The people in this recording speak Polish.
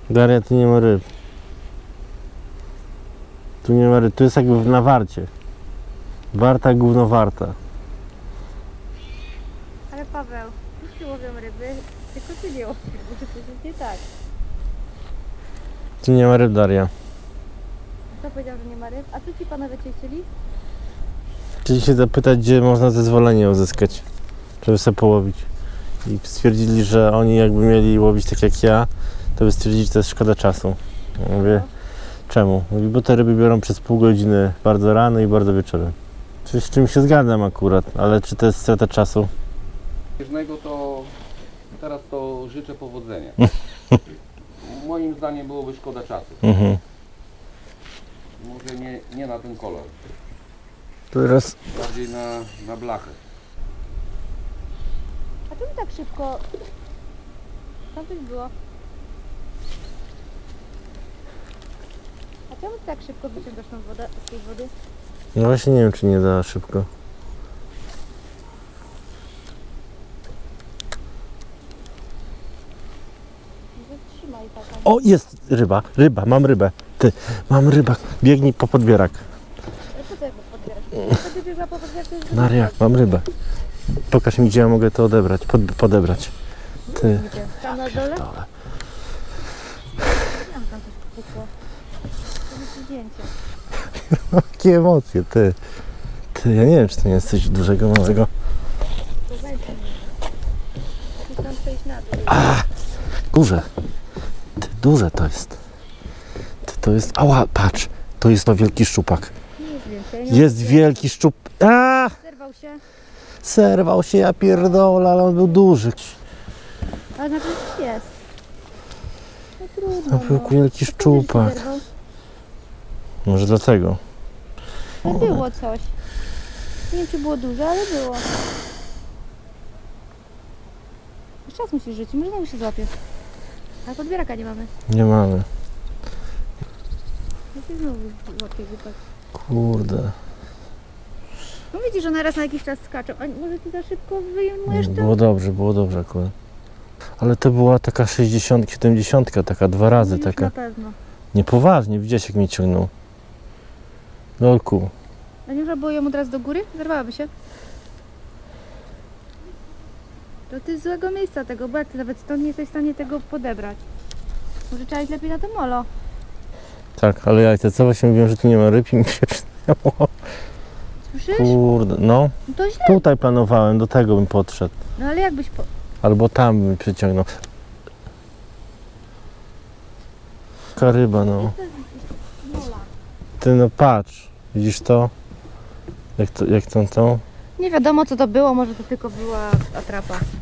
Daria, tu nie ma ryb. Tu nie ma ryb, tu jest jakby na warcie. Warta, gówno warta. Ale Paweł, wszyscy łowią ryby, tylko ty nie łowisz, bo coś jest nie tak. Tu nie ma ryb, Daria. Kto powiedział, że nie ma ryb? A co ci panowie cię chcieli? Chcieli się zapytać, gdzie można zezwolenie uzyskać, żeby sobie połowić. I stwierdzili, że oni jakby mieli łowić tak jak ja, to by stwierdzili, że to jest szkoda czasu. Ja mówię, czemu? Mówi, bo te ryby biorą przez pół godziny bardzo rano i bardzo wieczorem. Coś z czym się zgadzam akurat, ale czy to jest strata czasu? To teraz to życzę powodzenia. Moim zdaniem byłoby szkoda czasu. Może nie na ten kolor, Teraz bardziej na blachę. A czemu tak szybko? Tam coś było. A czemu ty tak szybko wyciągasz tą wodę z tej wody? no właśnie nie wiem, czy nie da szybko. Zatrzymaj taka. O, jest ryba, mam rybę. Ty, mam rybę. Biegnij po podbierak. Ale po co jak podbierasz? To ty biegła po podbierze, to jest Maria, mam rybę. Pokaż mi, gdzie ja mogę to odebrać, podebrać. Ty. Gdzie? Tam na dole? Dole. Tam coś pukło. To jest zdjęcie. Jakie emocje, ty. Ty, ja nie wiem, czy to nie jest coś dużego, małego. To weź mnie. Musisz tam przejść na dół. Górze. Ty, duże to jest. Ty, to jest, ała, patrz. To jest to wielki szczupak. Nie jest więcej. Nie Jest wielki szczup. A! Zerwał się. Serwał się, ja pierdolę, ale on był duży. Ale na pewno jest. No trudno. To był wielki To szczupak. się zerwał. Może dlatego. Ale było coś. Nie wiem, czy było duże, ale było. Jeszcze raz musisz rzucić, może znowu się złapie. Ale podbieraka nie mamy. Nie mamy. No się znowu złapie głupek. Kurde. No widzisz, one raz na jakiś czas skaczą. A może ty za szybko wyjmujesz to? Było dobrze akurat. Ale to była taka 60, 70, taka dwa razy, No już taka. na pewno. Niepoważnie, widziałeś jak mnie ciągnął. Lolku. A nie można było ją od razu do góry? Zerwałaby się. To ty z złego miejsca tego, bo jak ty nawet stąd nie jesteś w stanie tego podebrać. Może trzeba iść lepiej na to molo. Tak, ale ja co właśnie mówiłem, że tu nie ma ryb i mi się przydało. Słyszysz? Kurde, no. No to źle. Tutaj planowałem, do tego bym podszedł. No ale jakbyś po... Albo tam bym przyciągnął. Taka ryba, no. Mola. Ty no patrz, widzisz to? Jak to? Nie wiadomo co to było, może to tylko była atrapa.